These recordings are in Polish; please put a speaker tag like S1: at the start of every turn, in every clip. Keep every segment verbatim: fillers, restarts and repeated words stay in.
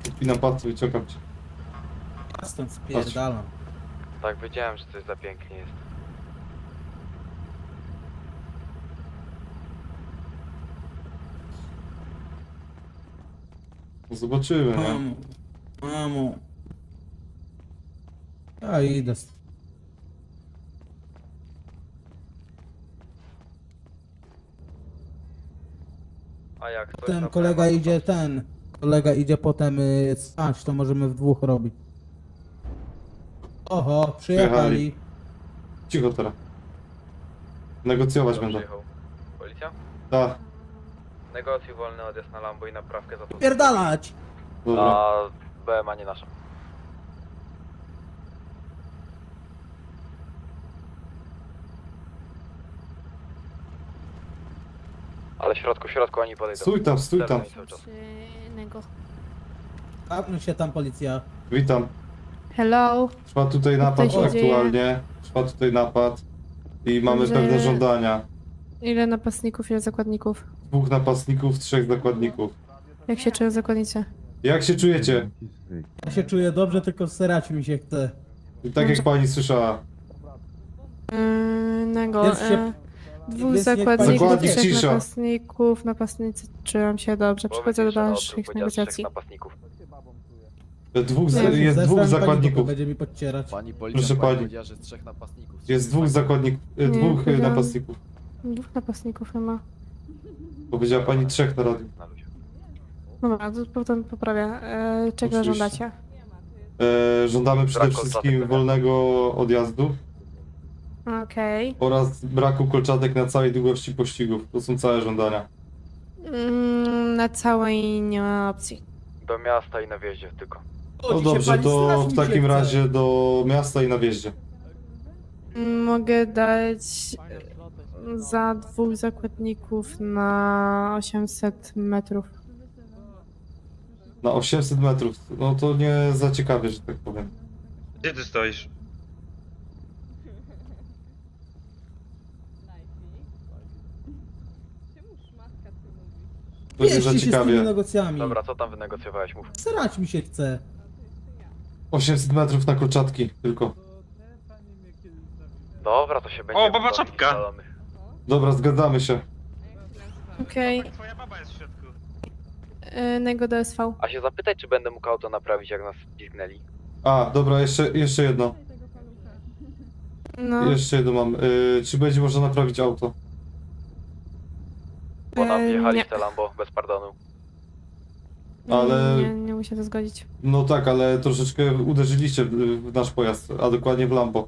S1: Odpinam pasy, wyciągam cię.
S2: A stąd spierdalam.
S3: Tak, wiedziałem, że coś za pięknie jest.
S1: No zobaczymy, nie?
S2: Mamo. Mamo. Ja idę.
S3: A jak to
S2: Ten kolega idzie, ten. Kolega idzie potem y, spać, to możemy w dwóch robić. Oho, przyjechali.
S1: Cicho teraz. Negocjować będą.
S3: Policja?
S1: Tak,
S3: Negocjuj wolny odjazd na Lambo i naprawkę za to.
S2: Pierdalać!
S1: dobra.
S3: A B M A nie nasza. Ale w środku, w środku oni podejdą.
S1: Stój tam, stój tam.
S3: Zerwaj cały czas.
S4: Innego.
S2: Kapnął się tam policja.
S1: Witam.
S4: Hello.
S1: Trwa tutaj napad
S4: się dzieje?
S1: aktualnie. Trwa tutaj napad. I mamy
S4: Dobrze.
S1: pewne żądania.
S4: Ile napastników, ile zakładników?
S1: Dwóch napastników, trzech zakładników.
S4: Jak się czują zakładnicy?
S1: Jak się czujecie?
S2: Ja się czuję dobrze, tylko serać mi się chce.
S1: Tak jak pani słyszała.
S4: Yy, Innego.
S2: Jest się-
S4: E, dwóch
S2: jest niech pani-
S4: zakładników,
S1: Zakładnik
S4: trzech
S1: cisza.
S4: napastników. Napastnicy czują się dobrze. Przechodzę do dalszych negocjacji.
S3: napastników.
S1: Dwóch, z,
S4: Nie,
S1: jest
S2: Zesrałem
S1: dwóch
S2: pani,
S1: zakładników.
S2: bo będzie mi podcierać.
S5: Pani policjant
S1: Proszę
S5: pani
S1: pani.
S5: powiedziała, że z trzech napastników.
S1: Jest dwóch zakładników,
S4: Nie,
S1: dwóch e,
S4: powiedziałam-
S1: napastników.
S4: Dwóch napastników chyba.
S1: Powiedziała pani trzech na radiu.
S3: Na luzie.
S4: Dobra, to potem poprawię. E, czego
S1: Oczywiście.
S4: żądacie?
S1: E, żądamy przede
S3: Brak
S1: wszystkim
S3: kolczatek,
S1: wolnego odjazdu
S4: Okej.
S1: oraz braku kolczatek na całej długości pościgów. To są całe żądania.
S4: Mm, na całej nie ma opcji.
S3: Do miasta i na wjeździe tylko.
S1: No
S2: Chodzi się
S1: dobrze,
S2: pani,
S1: to
S2: strach mi
S1: w
S2: się
S1: takim
S2: chce.
S1: razie do miasta i na wjeździe.
S4: Mogę dać za dwóch zakładników na osiemset metrów.
S1: Na osiemset metrów. No to nie za ciekawie, że tak powiem.
S6: Gdzie ty stoisz?
S1: To nie za
S2: Mieści się z tymi
S1: ciekawie.
S2: negocjami.
S3: Dobra, co tam wynegocjowałeś? Mów.
S2: Serać mi się chce.
S1: osiemset metrów na kolczatki tylko.
S3: Dobra, to się będzie...
S6: O, baba
S3: bawili
S6: czapka!
S3: szalony.
S1: Dobra, zgadzamy się.
S4: Okej,
S6: Twoja baba jest w środku.
S4: okay. Nego do S V.
S3: A się zapytaj, czy będę mógł auto naprawić, jak nas pizgnęli.
S1: A, dobra, jeszcze, jeszcze jedno.
S4: No,
S1: Jeszcze jedno mam. Y, czy będzie można naprawić auto?
S3: Bo nam
S4: E,
S3: wjechali
S4: nie.
S3: w te Lambo bez pardonu.
S1: ale-
S4: nie, nie muszę to zgodzić.
S1: No tak, ale troszeczkę uderzyliście w, w nasz pojazd, a dokładnie w Lambo.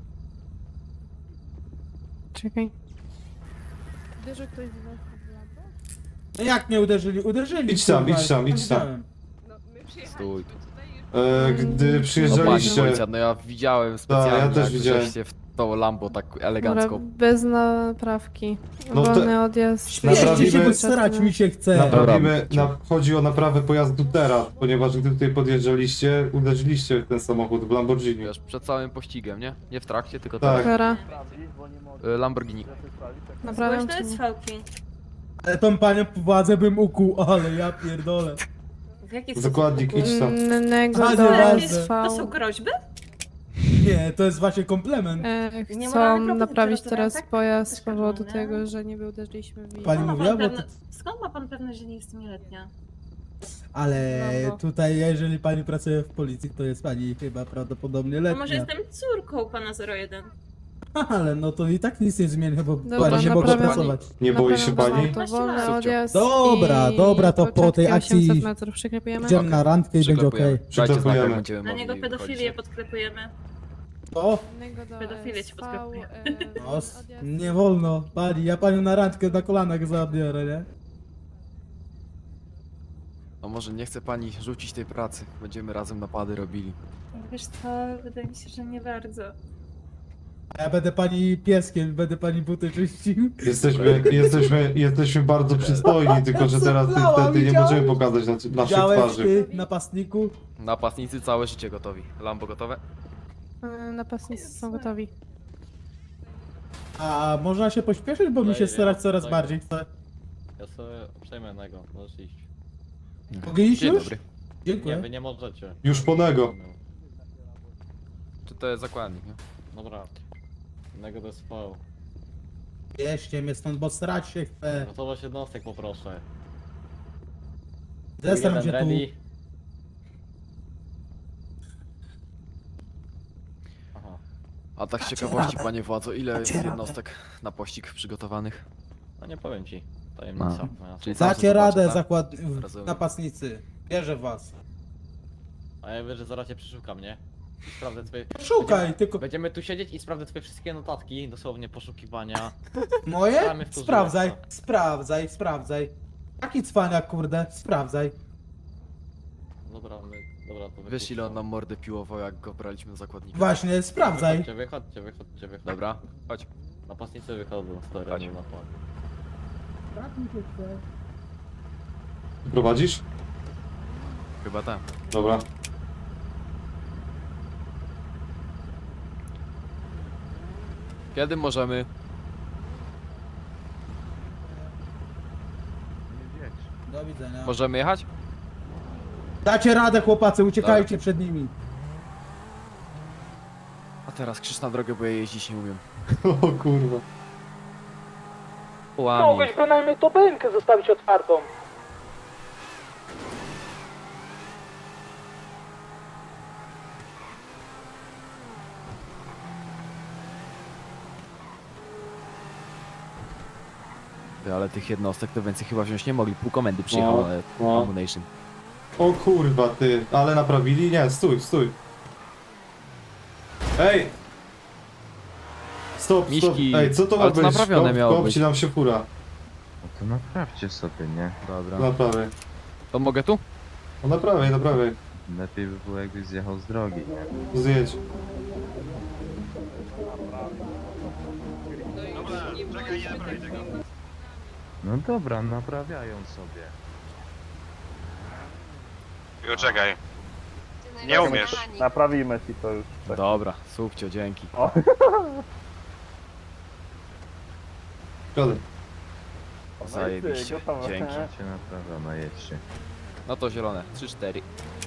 S4: Czekaj. Uderzył ktoś w was w lampo?
S2: No jak nie uderzyli? Uderzyli.
S1: Idź tam,
S2: kurwa,
S1: idź tam,
S2: ja
S1: idź tam.
S2: widziałem.
S5: Stój.
S1: E, gdy
S4: Mm,
S5: No pani
S1: przyjeżdżaliście...
S5: policjant, no ja widziałem specjalnie,
S1: ja też
S5: jak
S1: widziałem.
S5: żeście w to Lambo tak
S4: Dobra,
S5: elegancko.
S4: bez naprawki.
S1: No to-
S4: Wolny odjazd.
S2: Mieści się,
S1: Naprawimy-
S2: bo serać mi się chce.
S1: Naprawimy,
S5: Dobra.
S1: na, chodzi o naprawę pojazdu teraz, ponieważ gdy tutaj podjeżdżaliście, uderzyliście w ten samochód w Lamborghini.
S5: Wiesz, przed całym pościgiem, nie? Nie w trakcie, tylko
S1: Tak.
S4: Dobra,
S5: teraz. Y, Lamborghini.
S4: naprawiam
S7: Głośno
S4: czy
S7: jest
S4: nie?
S7: fałki.
S2: Ale tą panią władzę bym ukuł, ale ja pierdolę.
S7: W jaki sposób?
S1: Zakładnik, idź tam.
S4: Mm, Nego
S2: A,
S4: do
S2: nieważne.
S4: S
S7: To są
S4: V.
S7: groźby?
S2: Nie, to jest właśnie komplement.
S4: E,
S7: Nie
S4: chcą
S7: moralne propozycje
S4: naprawić
S7: rozumiem,
S4: teraz
S7: tak?
S4: pojazd z
S7: Też
S4: powodu
S7: nie?
S4: tego, że niby uderzyliśmy w
S2: Pani
S7: Skąd ma
S2: mówiła,
S7: pan
S2: bo
S7: pewne-
S2: to-
S7: Skąd ma pan pewność, że nie jestem nieletnia?
S2: Ale
S4: No bo-
S2: tutaj, jeżeli pani pracuje w policji, to jest pani chyba prawdopodobnie
S7: No może
S2: letnia.
S7: jestem córką pana zero jeden.
S2: Ale no to i tak nic nie zmieni, bo
S4: Dobra,
S2: pani nie mogła
S4: naprawiam-
S2: pracować.
S1: Nie boi się
S4: Naprawiam
S1: pani?
S4: To wolny
S7: Subcio.
S4: odjazd
S2: Dobra,
S4: i
S2: dobra, to po tej
S4: początki
S2: akcji
S4: osiemset metrów przyklepujemy.
S2: Idziemy
S5: Okej.
S2: na randkę i będzie
S5: Przyklepujemy.
S2: okej.
S5: Dajcie znak, jak
S1: Przyklepujemy.
S5: będziemy
S7: Na
S5: mogli
S7: niego pedofilię
S5: wychodzić.
S7: podklepujemy.
S2: O,
S4: Nego do
S7: Pedofilię ci
S4: S V,
S7: podklepuję.
S4: e,
S2: no,
S4: odjazd.
S2: nie wolno, pani, ja panią na randkę na kolanach zabiorę, nie?
S5: No może nie chce pani rzucić tej pracy. Będziemy razem napady robili.
S7: Wiesz co, wydaje mi się, że nie bardzo.
S2: A ja będę pani pieskiem, będę pani buty czyścił.
S1: Jesteśmy, jesteśmy, jesteśmy bardzo przystojni, tylko że teraz
S2: Zablała,
S1: niestety nie
S2: widziałeś?
S1: możemy pokazać na, naszych
S2: Widziałeś
S1: twarzy.
S2: ty, napastniku?
S5: Napastnicy całe życie gotowi. Lambo gotowe?
S4: E, Napastnicy są gotowi.
S2: A można się pośpieszyć, bo mi się starać coraz bardziej chce.
S8: Ja sobie przejmę jednego, możesz iść.
S2: Mogę iść
S5: Dzień
S2: już?
S5: dobry.
S2: Dziękuję.
S8: Nie, wy nie możecie.
S1: Już po nego.
S5: Czy to jest zakładnik, nie?
S8: Dobra. Innego do S V.
S2: Wieźcie mnie stąd, bo strać się chcę.
S8: Gotowość jednostek poproszę.
S2: Zestaw
S8: Jeden
S2: się tu.
S8: ready. Aha.
S5: A tak z ciekawości, panie władzo, ile jest jednostek na pościg przygotowanych?
S8: No nie powiem ci. Tajemnica.
S5: No.
S8: moja.
S5: Czyli sam
S2: Dacie
S5: sobie
S2: radę,
S5: zobaczę, tak?
S2: zakład...
S5: Rozumiem.
S2: napastnicy. Wierzę w was.
S8: A ja wiem, że zaraz cię przeszukam, nie? I sprawdzę twoje...
S2: Szukaj,
S8: Będziemy-
S2: tylko
S8: Będziemy tu siedzieć i sprawdzę twoje wszystkie notatki, dosłownie poszukiwania.
S2: moje?
S8: Gramy w to
S2: Sprawdzaj,
S8: żywca.
S2: sprawdzaj, sprawdzaj. Taki cwaniak, kurde, sprawdzaj.
S8: Dobra, my... Dobra, to
S5: Wiesz ile on
S8: wypuszczam.
S5: nam mordę piłował, jak go braliśmy na zakładnika?
S2: Właśnie, sprawdzaj.
S8: Wychodźcie, wychodźcie, wychodźcie, wychodźcie.
S5: Dobra, chodź.
S8: Napastnicy wychodzą z terenu na plan.
S1: Prowadzisz?
S5: Chyba tak.
S1: Dobra.
S5: Kiedy możemy?
S2: Do widzenia.
S5: Możemy jechać?
S2: Dacie radę, chłopacy, uciekajcie przed nimi.
S5: A teraz krzyż na drogę, bo ja jeździć nie umiem.
S1: O kurwa.
S8: Łami.
S2: bynajmniej to bękę zostawić otwartą.
S5: Ty, ale tych jednostek to więcej chyba wziąć nie mogli. Pół komendy przyjechało,
S1: No,
S5: ale
S1: no.
S5: Ammunition.
S1: O kurwa ty, ale naprawili? Nie, stój, stój. Ej! Stop, stop.
S5: Miśki,
S1: Ej, co to ma
S5: ale to
S1: być?
S5: naprawione miało
S1: Kopci
S5: być.
S1: nam się fura.
S9: No to naprawcie sobie, nie?
S5: Dobra.
S1: Naprawię.
S5: To mogę tu?
S1: No naprawię, naprawię.
S9: Lepiej by było jakbyś zjechał z drogi, nie?
S1: Zjedź.
S6: Dobra, czekaj, nie naprawię tego.
S9: No dobra, naprawiają sobie.
S6: Jo, czekaj. Nie umiesz.
S10: Naprawimy ci to już.
S5: Dobra, słupcio, dzięki.
S1: Szkoda.
S5: Zajebiście,
S10: gotowe.
S5: dzięki.
S9: Cię naprawiono, jedźcie.
S5: No to zielone, trzy cztery.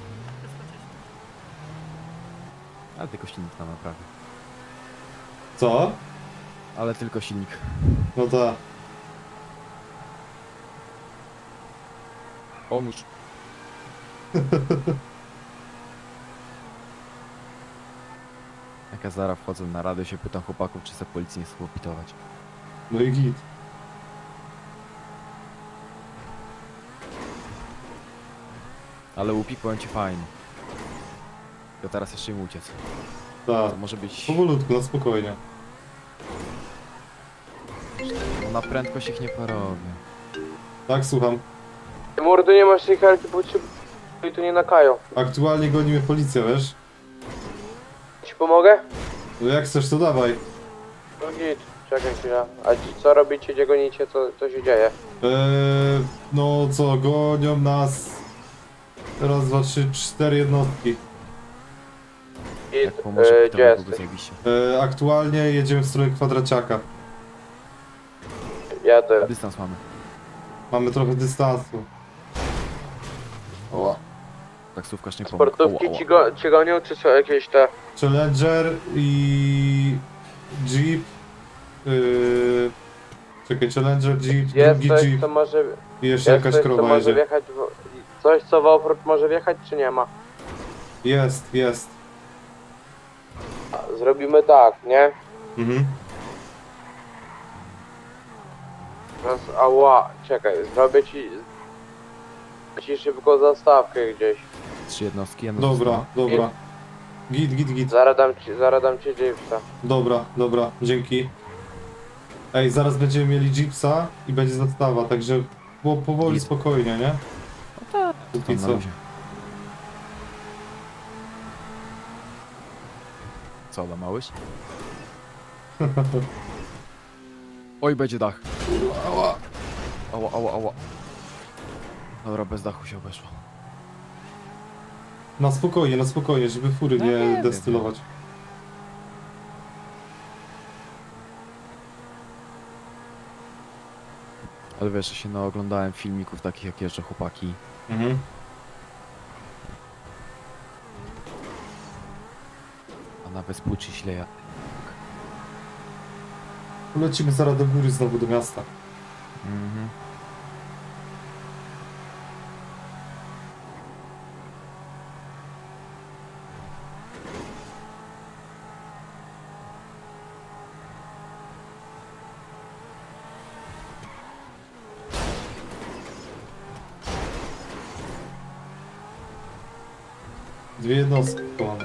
S5: Ale tylko silnik nam naprawi.
S1: Co?
S5: Ale tylko silnik.
S1: No tak.
S5: Pomóż. Jak ja zaraz wchodzę na radę, się pytam chłopaków, czy se policji nie chcą opitować.
S1: No i git.
S5: Ale łupi, powiem ci fajnie. To teraz jeszcze im uciec.
S1: Tak.
S5: To może być...
S1: Powolutku, na spokojnie.
S5: No na prędkość ich nie porobię.
S1: Tak, słucham.
S10: Mordy, nie masz tej helki, bo ci i tu nie nakają.
S1: Aktualnie gonimy policję, wiesz?
S10: Ci pomogę?
S1: No jak chcesz, to dawaj.
S10: No git, czekaj chwilę. A ci co robicie, gdzie gonicie, co, co się dzieje?
S1: Eee, no co, gonią nas... Raz, dwa, trzy, cztery jednostki.
S10: Git,
S5: Jak pomoże,
S10: e,
S5: to
S10: gdzie
S5: byłoby
S10: jesteś?
S5: zajebiście.
S1: Eee, aktualnie jedziemy w stronę kwadraciaka.
S10: Jadę.
S5: Dystans mamy.
S1: Mamy trochę dystansu.
S5: Oła. Taksówkarz nie pomógł.
S10: Sportówki
S5: Oła,
S10: ci,
S5: oła.
S10: go, ci gonią, czy są jakieś te...
S1: Challenger i... Jeep. Yy... Czekaj, Challenger, Jeep,
S10: Jest
S1: drugi
S10: coś,
S1: Jeep
S10: co może...
S1: i jeszcze
S10: Jest
S1: jakaś
S10: coś, co
S1: krowa
S10: może
S1: jedzie.
S10: wjechać w... Coś, co w offroad może wjechać, czy nie ma?
S1: Jest, jest.
S10: Zrobimy tak, nie?
S1: Mhm.
S10: Teraz, ała, czekaj, zrobię ci... Ci szybko zastawkę gdzieś.
S5: Trzy jednostki, jedna
S1: Dobra,
S5: została.
S1: dobra. Git, git, git.
S10: Zaraz dam ci, zaraz dam ci Jeepsa.
S1: Dobra, dobra, dzięki. Ej, zaraz będziemy mieli Jeepsa i będzie zastawa, także było powoli,
S5: Git.
S1: spokojnie, nie?
S5: No tak.
S1: Póki
S5: Tam na
S1: co.
S5: luzie. Co, da małyś? Oj, będzie dach. Ała. Ała, ała, ała. Dobra, bez dachu się obeszło.
S1: Na spokojnie, na spokojnie, żeby fury
S5: No
S1: nie,
S5: nie wiem,
S1: destylować.
S5: Ale wiesz, ja się naoglądałem filmików takich, jak jeżdżą chłopaki.
S1: Mhm.
S5: A na bezpłuczy śleja.
S1: Lecimy zaraz do góry znowu do miasta.
S5: Mhm.
S1: Dwie jednostki tu mamy.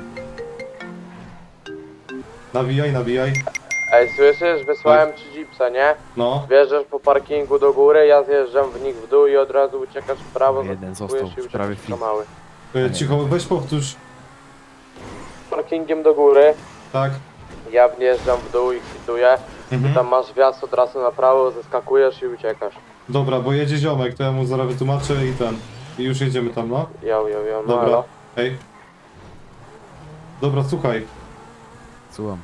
S1: Nawijaj, nawijaj.
S10: Ej, słyszysz? Wysłałem ci jeepsa, nie?
S1: No.
S10: Wjeżdżasz po parkingu do góry, ja zjeżdżam w nich w dół i od razu uciekasz w prawo,
S5: Jeden
S10: zaskakujesz
S5: został
S10: i
S5: w prawie
S10: uciekasz
S5: chwili.
S10: do mały.
S1: E, cicho, weź powtórz.
S10: Parkingiem do góry,
S1: Tak.
S10: ja wjeżdżam w dół i kwituję.
S1: Mhm.
S10: Tam masz wjazd od razu na prawo, zeskakujesz i uciekasz.
S1: Dobra, bo jedzie ziomek, to ja mu zaraz wytłumaczę i ten. I już jedziemy tam, no.
S10: Jo, jo, jo, no
S1: Dobra.
S10: elo.
S1: Hej. Dobra, słuchaj.
S5: Słucham.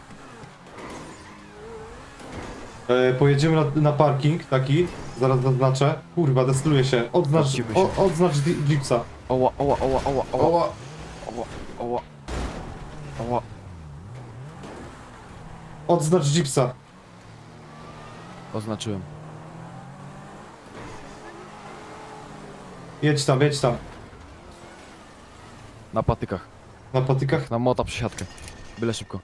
S1: E, pojedziemy na, na parking taki. Zaraz zaznaczę. Kurwa, destruje się. Odznacz,
S5: Odciły się.
S1: o, odznacz di- jeepsa.
S5: Oła, oła, oła, oła, oła,
S1: Oła.
S5: oła, oła, oła.
S1: Odznacz jeepsa.
S5: Oznaczyłem.
S1: Jedź tam, jedź tam.
S5: Na patykach.
S1: Na patykach.
S5: Na mota przesiadkę. Byle szybko.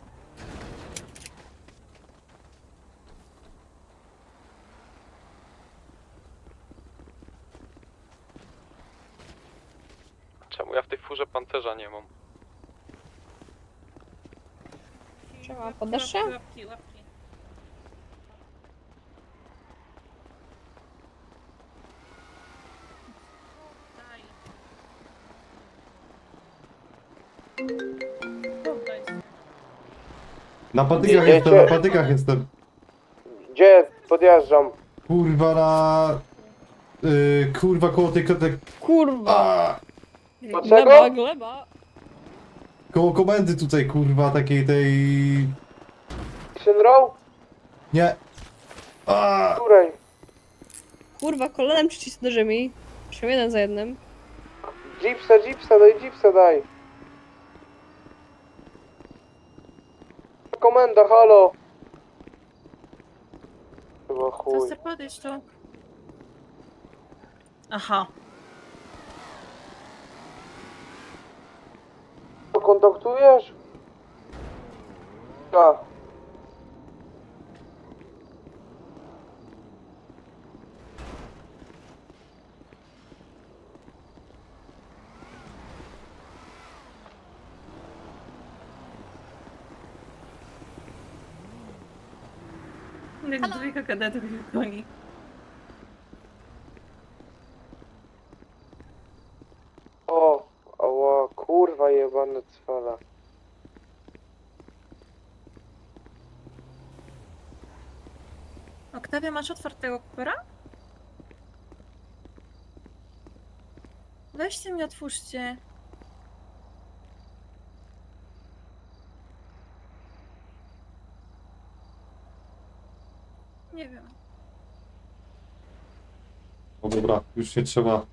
S3: Czemu ja w tej furze pancerza nie mam?
S7: Trzeba, podasz się? Łapki, łapki. Daj. Oddaj.
S1: Na patykach
S10: Jedziecie?
S1: jestem, na patykach jestem.
S10: Gdzie? Podjeżdżam.
S1: Kurwa na... Yy, kurwa koło tej... tej
S7: Kurwa!
S1: a,
S10: Dlaczego?
S7: gleba!
S1: koło komendy tutaj, kurwa, takiej tej...
S10: Action row?
S1: Nie. A,
S10: Której?
S7: Kurwa, kolanem przycisnę mi. Musimy jeden za jednym.
S10: Jeepsa, jeepsa, daj jeepsa, daj. Komenda, halo. Chyba
S7: To
S10: chuj.
S7: chcę podejść tu. Aha.
S10: Kontaktujesz? Tak.
S7: Jak dwójka kadetów ich goni.
S10: O, ała, kurwa jebane cwala.
S7: Oktawia, masz otwartego kupera? Weźcie mi, otwórzcie. Nie wiem.
S1: o dobra, już nie trzeba.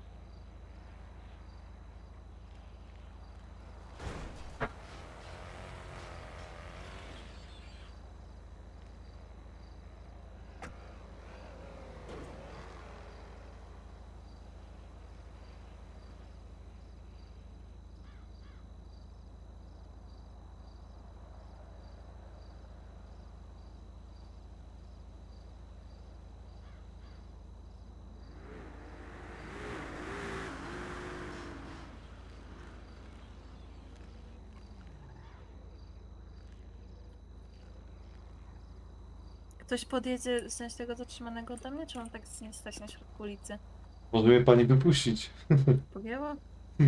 S7: Ktoś podjedzie wziąć tego zatrzymanego do mnie, czy mam tak z nim stać na środku ulicy?
S1: Może mnie pani wypuścić.
S7: Pogięło?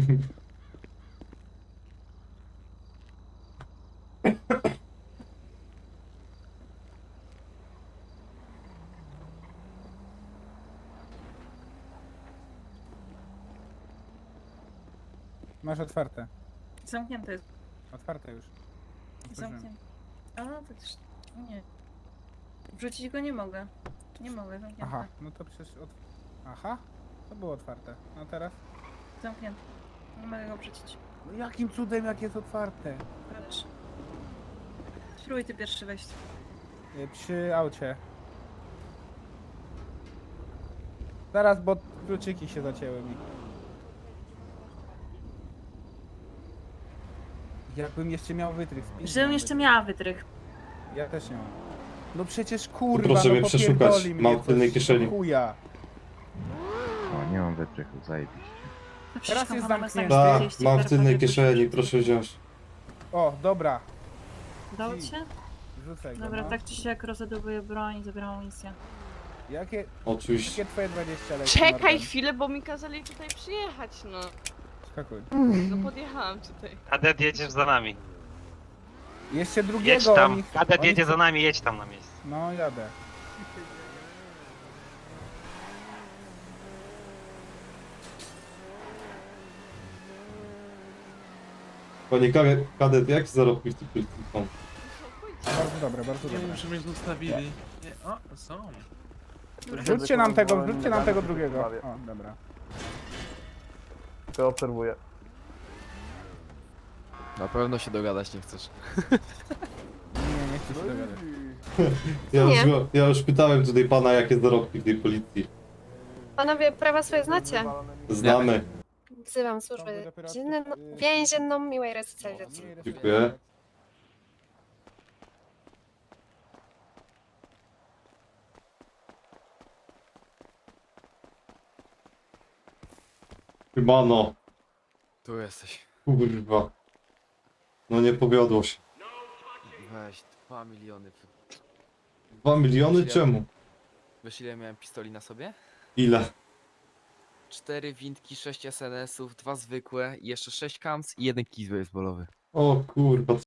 S2: Masz otwarte.
S7: Zamknięte jest.
S2: Otwarte już. Otworzyłem.
S7: Zamknięte. A, to też... Nie. Wrzucić go nie mogę. Nie mogę, zamknięte.
S2: Aha, no to przecież od... Aha, to było otwarte. No teraz?
S7: Zamknięte. Nie mogę go wrzucić.
S2: No jakim cudem, jak jest otwarte?
S7: Patrz. Spróbuj ty pierwszy wejść.
S2: Y, Przy aucie. Zaraz, bo kluczyki się zacięły mi. Jakbym jeszcze miał wytrych. z pizdą
S7: Żebym jeszcze
S2: wytrych.
S7: miała wytrych.
S2: Ja też nie mam. No przecież kurwa,
S1: Proszę
S2: no
S1: mnie przeszukać.
S2: popierdoli mnie
S1: Mam w tylnej
S2: coś,
S1: kieszeni.
S2: Chuja.
S9: O, nie mam wytrychu, zajebiście.
S2: Teraz jest zamknięty.
S1: Da, mam w tylnej kieszeni, proszę wziąć.
S2: O, dobra.
S7: Udało ci się?
S2: Rzucaj go,
S7: Dobra,
S2: no.
S7: tak czy siak rozładowuję broń i zabieram amunicję.
S2: Jakie,
S1: Oczywiście.
S2: jakie twoje dwadzieścia leci?
S11: Czekaj
S2: Morgan?
S11: chwilę, bo mi kazali tutaj przyjechać, no.
S2: Skakuj.
S11: No podjechałam tutaj.
S6: Kadet jedziesz za nami.
S2: Jeszcze drugiego
S6: Jedź tam.
S2: oni-
S6: Kadet
S2: oni
S6: jedzie
S2: chcą-
S6: za nami, jedź tam na miejsce.
S2: No, jadę.
S1: Panie kadet, kadet jak zarobki w tych policji są?
S2: Bardzo dobre, bardzo dobre.
S3: Muszę mieć zostawili. Nie, o, są.
S2: Wrzućcie nam tego, wrzućcie nam tego drugiego. O, dobra.
S10: To obserwuję.
S5: Na pewno się dogadać nie chcesz.
S2: Nie, nie chcę się dogadać.
S1: Ja już,
S4: Nie.
S1: go- ja już pytałem tutaj pana, jakie zarobki w tej policji.
S4: Panowie, prawa swoje znacie?
S1: Znamy.
S4: Wzywam służbę dzienną, więzienną miłej resocjalizacji.
S1: Dziękuję. Chyba no.
S5: Tu jesteś.
S1: Kurwa. No nie powiodło się.
S5: Weź, dwa miliony.
S1: Dwa miliony czemu?
S5: Wiesz ile miałem pistoli na sobie?
S1: Ile?
S5: Cztery windki, sześć S N S ów, dwa zwykłe, i jeszcze sześć kams i jeden kij baseballowy.
S1: O kurwa,